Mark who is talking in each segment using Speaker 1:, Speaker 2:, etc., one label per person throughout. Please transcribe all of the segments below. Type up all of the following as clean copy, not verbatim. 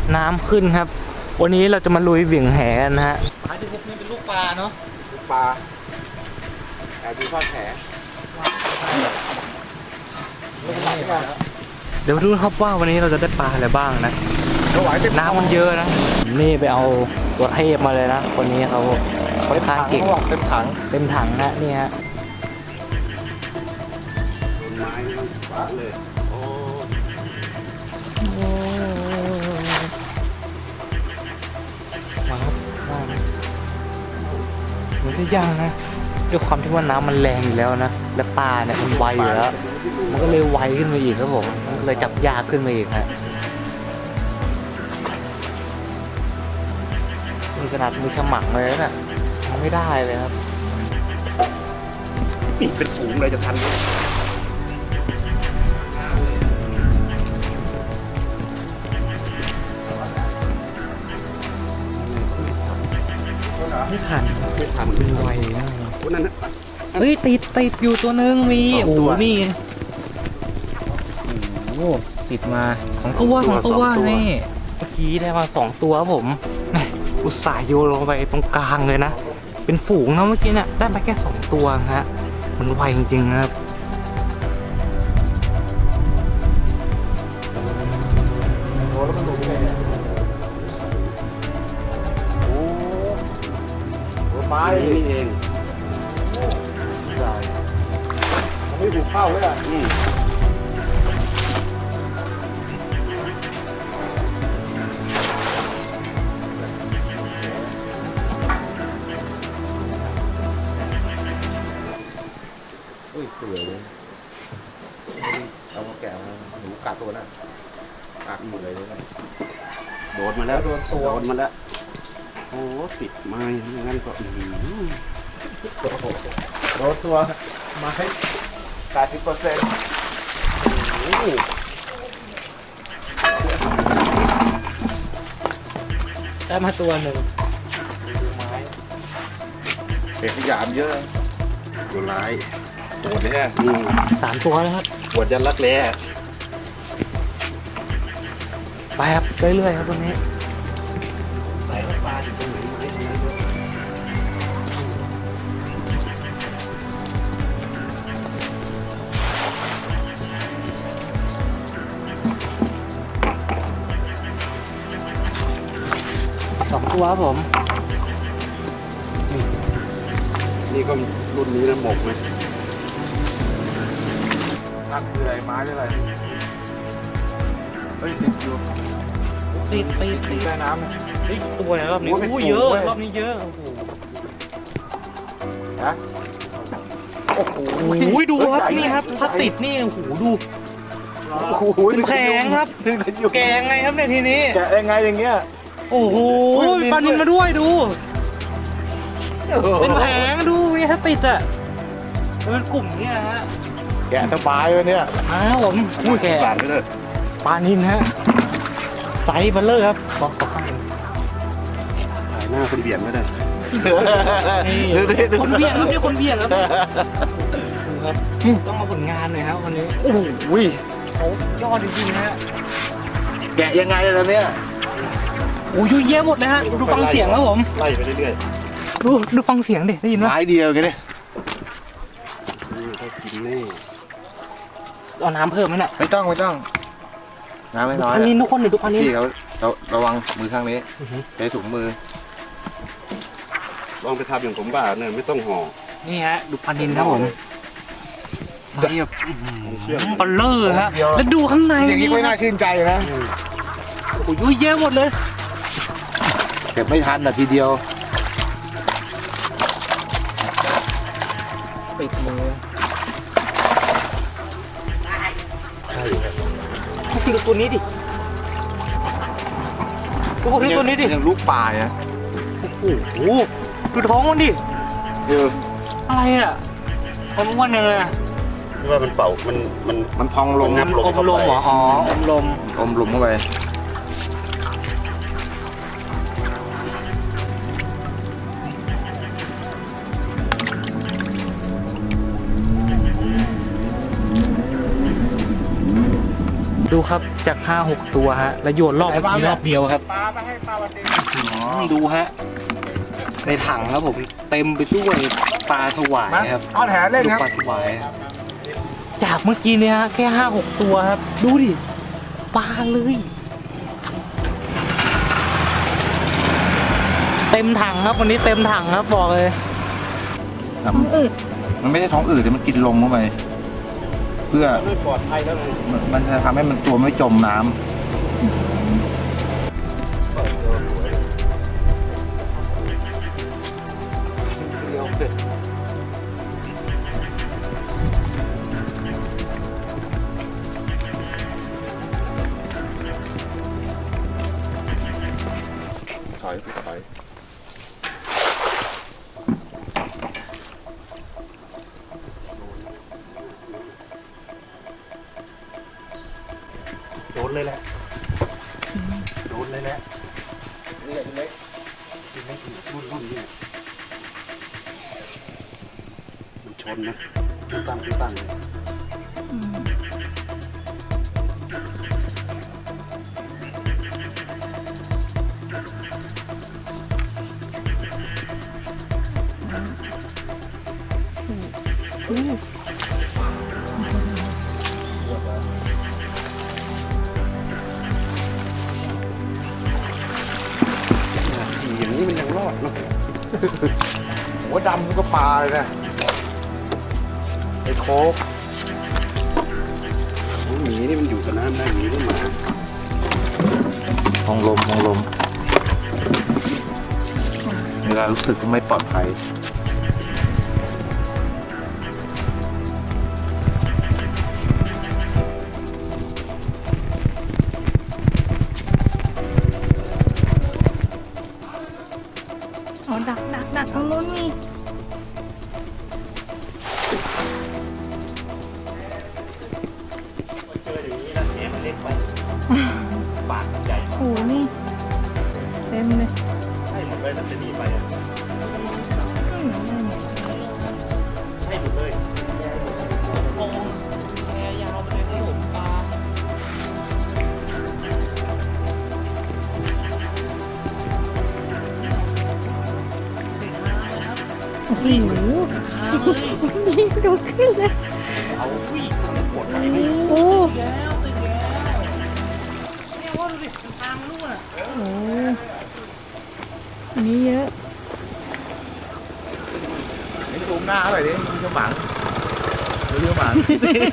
Speaker 1: น้ำขึ้นครับวันนี้เราจะมาลุยเหวี่ยงแหกันนะฮะปลาที่พบนี่เป็นลูกปลาเนาะ
Speaker 2: ลูกปลาแอบดูทอดแห
Speaker 1: เดี๋ยวดูครับว่าวันนี้เราจะได้ปลาอะไรบ้างนะน้ำมันเยอะนะนี่ไปเอาตัวเทพมาเลยนะคนนี้เขาทานเก่ง
Speaker 2: เต็มถัง
Speaker 1: นะนี่ฮะ
Speaker 2: ต้นไม้ขวางเลยโอ้
Speaker 1: มาครับมันจะย่างนะด้วยความที่ว่าน้ำมันแรงอยู่แล้วนะและปลาเนี่ยมันไวอยู่แล้วมันก็เลยไวขึ้นมาอีกครับผมมันเลยจับยากขึ้นมาอีกฮะมีขนาดมือฉมังเลยนะทำไม่ได้เลยครับ
Speaker 2: ปีกเป็นฝูงเลยจะทันไหม
Speaker 1: ไม่ทัน
Speaker 2: มัน
Speaker 1: ไวนะ
Speaker 2: นั่นนะ
Speaker 1: เฮ้ยติดอยู่ตัวนึงมีโอ้โหนี่โอ้ติดมาของตัวนี่เมื่อกี้ได้มา2ตัวครับผมอุตส่าห์โยนลงไปตรงกลางเลยนะเป็นฝูงนะเมื่อกี้เนี่ยได้มาแค่2ตัวฮะมันไวจริงๆครับ
Speaker 2: โอ้แล้วมันลงไปเนี่ยโอ้ไม้นี่เองมันไม่ถูกเข้าเลยอ่ะเปื่อยเลยเอาแกะมาหนูกัดตัวน่ะกัดหมดเลยนะโดนมาแล้วโดนมาแล้วโอ้ติดไม้งั้นก็โดนตัวไม้80%
Speaker 1: ได้มาตัวหนึ่ง
Speaker 2: เด็กขยามเยอะตัวร้ายปวดเลยฮะ
Speaker 1: 3 ตัวแล้วครับ
Speaker 2: ปวดยันรักแร้
Speaker 1: ไปครับเรื่อยๆครับตรงนี้
Speaker 2: ใส่ปลาอยู่ตรงไหนไหม
Speaker 1: 2 ตัวครับผม
Speaker 2: นี่ก็รุ่นนี้นะหมกไหมนั่นคืออะไรไม้หรืออะไรเฮ้ยติดอยู่
Speaker 1: ติด
Speaker 2: ใต้น้ำเนี่ย
Speaker 1: เฮ้ยตัวไหนรอบนี้โอ้เยอะรอบนี้เยอะโอ้โห
Speaker 2: ฮะโอ้โห
Speaker 1: ดูครับนี่ครับถ้าติดนี่โอ้โหดูเป็นแผงครับแกงไงครับเนี่ยทีนี้
Speaker 2: แกะยังไงอย่างเงี้ย
Speaker 1: โอ้โหปลานิลมาด้วยดูเป็นแผงดูนี่ถ้าติดอ่ะเป็นกลุ่มนี้นะฮะ
Speaker 2: แกะสบายเลยเนี่ย
Speaker 1: ผมแกะปลานิลฮะไซส์เบลเลอร์ครับบอกถ่
Speaker 2: ายหน้าคนเบียดไม่ได้
Speaker 1: คนเบียดครับนี่คนเบียดครับต้องมาผลงานหน่อยครับวันนี้
Speaker 2: โอ้ย
Speaker 1: เขายอดจริงๆฮะ
Speaker 2: แกะยังไงล่ะเนี่ย
Speaker 1: โอ้ยเยอะหมดเลยฮะดูฟังเสียงครับผม
Speaker 2: ไล่ไปเรื่อย
Speaker 1: ๆดูฟังเสียงดิได้ยินไหม
Speaker 2: ไม้เดียวกันเนี่ยกินแน่
Speaker 1: เอาน้ำเพิ่มไหมน่ะ
Speaker 2: ไม่ต้องน้ำไม่น้อย
Speaker 1: อันนี้ทุกคนเลยทุกคนนี้
Speaker 2: พี่เขาระวังมือข้างนี้ใช้ถุงมือลองไปทำอย่างผมบ้าเนี่ยไม่ต้องห่อ
Speaker 1: นี่ฮะดูปลานิลครับผมไซส์แบบปลาเลอร์ฮะแล้วดูข้างใน
Speaker 2: อย่างนี้ไม่น่าชื่นใจนะ
Speaker 1: โอ้ยเยอะหมดเลย
Speaker 2: เก็บไม่ทันแต่ทีเดียว
Speaker 1: ปิดมือดูตัวนี้ดิตัวนี้ดิ
Speaker 2: ยังลูกปลาเนี่ย
Speaker 1: โอ้โหดูท้องมันดิอะไรอ่ะมันอ้วนเลย
Speaker 2: ที่ว่ามันเป่ามันพองลม
Speaker 1: อมลมเหรออ๋ออมลม
Speaker 2: เข้าไป
Speaker 1: ดูครับจาก5-6 ตัวฮะแล้วโยนรอบเมื่อกี้รอบเดียวครับ
Speaker 2: ปลามาให้ปลาวันนี้
Speaker 1: ดูฮะในถังครับผมเต็มไปด้วยปลาสวายครับ
Speaker 2: เอาแหเล่นครับ
Speaker 1: ปลาสวายจากเมื่อกี้เนี่ยแค่5-6 ตัวครับดูดิปลาเลยเต็มถังครับวันนี้เต็มถังครับบอกเลย
Speaker 3: ท้องอืดมันไม่ใช่ท้องอืดมันกินลมเข้าไปเพื่อ
Speaker 2: ไม่ปลอดภัยแล้วเลย
Speaker 3: มันจะทำให้มันตัวไม่จมน้ำ
Speaker 2: ถอยถอย
Speaker 1: โดนเลยแหละโดนเลยแหละ
Speaker 2: นี่แหละเล็ก
Speaker 4: รุ่นเนี่ยมันชนนะตั้งเลย
Speaker 2: ขี่อย่างนี้มันยังรอดเนาะหัวดำก็ปลาเลยนะไอ้โค้ก
Speaker 4: หมีนี่มันอยู่กับน้ำได้หมีหรือหมา
Speaker 3: มองลมเวลารู้สึกไม่ปลอดภัย
Speaker 5: อ๋อดักตรงนู้นมี
Speaker 4: เจออย่างนี้นะแหมันเล็กไปปากใหญ่
Speaker 5: โอ้โหนี่เต็มเลย
Speaker 4: ให้หมดเลยนะจะหนีไปอ่ะ
Speaker 5: อืม
Speaker 4: ให้หมดเลย
Speaker 1: โกงแพยาวไปเลยครับผมปลา
Speaker 5: โอ้โห
Speaker 1: ปลาเลย
Speaker 5: นี่ดูขึ้นเลย
Speaker 4: เอาวิ่งปวดไหล่
Speaker 5: โอ้
Speaker 1: ติดแล้วเนี่ยว่าดูดิทางลูกอ่ะ
Speaker 5: โหอันนี้เยอะ
Speaker 3: ไอ้ตูมหน้าอะไรดิมีเจ้าหมังเรือหมัง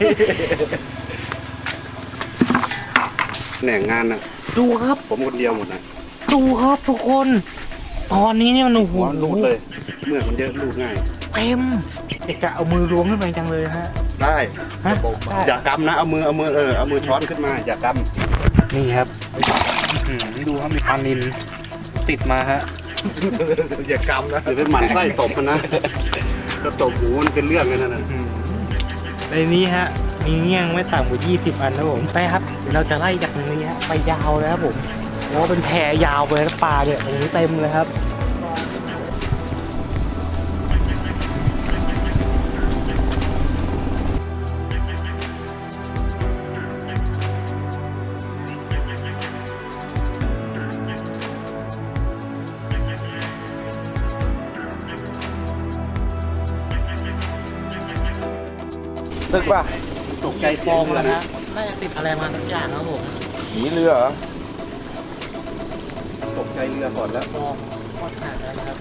Speaker 4: แหน่งงานน่ะ
Speaker 1: ดูครับ
Speaker 4: ผมคนเดียวหมดนะ
Speaker 1: ดูครับทุกคน ตอนนี้เนี่ยมันโอ้โห
Speaker 4: หัวรูดเลย เมื่อกมันเยอะรูดง่าย
Speaker 1: เต็มเด็กจะเอามือล้วงขึ้นไปจังเลยฮะ
Speaker 4: ได้
Speaker 1: ฮะ
Speaker 4: อย่ากำนะเอามือเอามือช้อนขึ้นมาอย่าก
Speaker 1: นี่ครับดูครับมีปลานิลติดมาฮะ
Speaker 3: อย่ากำนะ
Speaker 4: ำอย่าไปหมั่นไส้ตบมันนะถ้าตบหูมันเป็นเรื่องกันนั่นน่ะ
Speaker 1: ในนี้ฮะ มีเงี้ยงไม่ต่ำกว่า20 อันนะผมไปครับเดี๋ยวเราจะไล่จากตรงนี้ฮะไปยาวเลยครับผมเพราะว่าเป็นแพยาวไปแล้วปลาเนี่ยตรงนี้เต็มเลยครับ
Speaker 3: ตึกป่ะ
Speaker 4: ตกใจ
Speaker 1: ฟ
Speaker 4: เสีย
Speaker 1: อง ง
Speaker 4: เรือ
Speaker 1: แล้ว
Speaker 4: นะ
Speaker 1: นะน่าจะติดอะไรมาสักอย่างครับผม
Speaker 3: หนีเรือเหรอ
Speaker 4: ตกใจเรือก่อนแล้ว
Speaker 1: ฟองทอดขาดแล้วนะครับ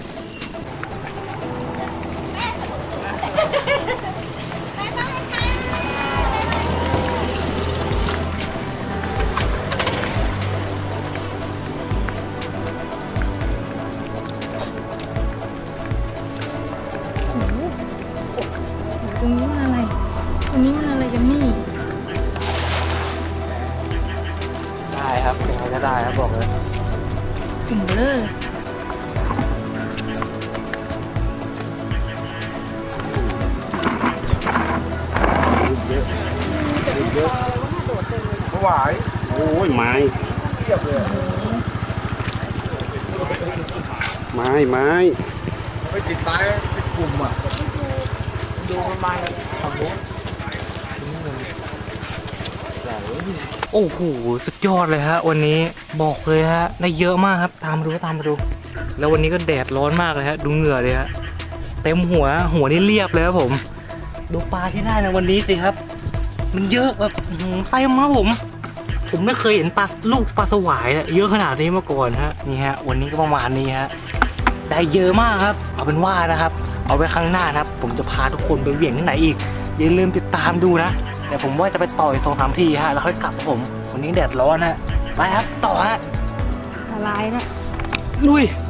Speaker 5: โหตรงนี้มันอะไร ตรงนี้มันอะไรกันนี่
Speaker 1: ได้ครับยังไงก็ได้ครับบอกเลย
Speaker 5: ถึงเลย
Speaker 3: ถวาย
Speaker 4: โอ้ยไม้
Speaker 3: เทียบเลย
Speaker 4: ไม้ไม้
Speaker 3: ไม่ติดตายเป็นกลุ่มอ่ะดูมันมาฝั่งโน้น
Speaker 1: โอ้โหสุดยอดเลยฮะวันนี้บอกเลยฮะได้เยอะมากครับตามมาดูแล้ววันนี้ก็แดดร้อนมากเลยฮะดูเหงื่อเลยฮะเต็มหัวนี่เรียบเลยครับผมดูปลาที่ได้ในวันนี้สิครับ มันเยอะแบบเต็มมากผมไม่เคยเห็นลูกปลาสวายเยอะขนาดนี้มาก่อนฮะนี่ฮะวันนี้ก็ประมาณนี้ฮะได้เยอะมากครับเอาเป็นว่านะครับเอาไว้ครั้งหน้านะครับผมจะพาทุกคนไปเหวี่ยงที่ไหนอีกอย่าลืมติดตามดูนะแต่ผมว่าจะไปต่อย2-3 ทีฮะแล้วค่อยกลับผมวันนี้แดดร้อนฮะไปครับต่อฮะ
Speaker 5: ละลายนะ
Speaker 1: ลุย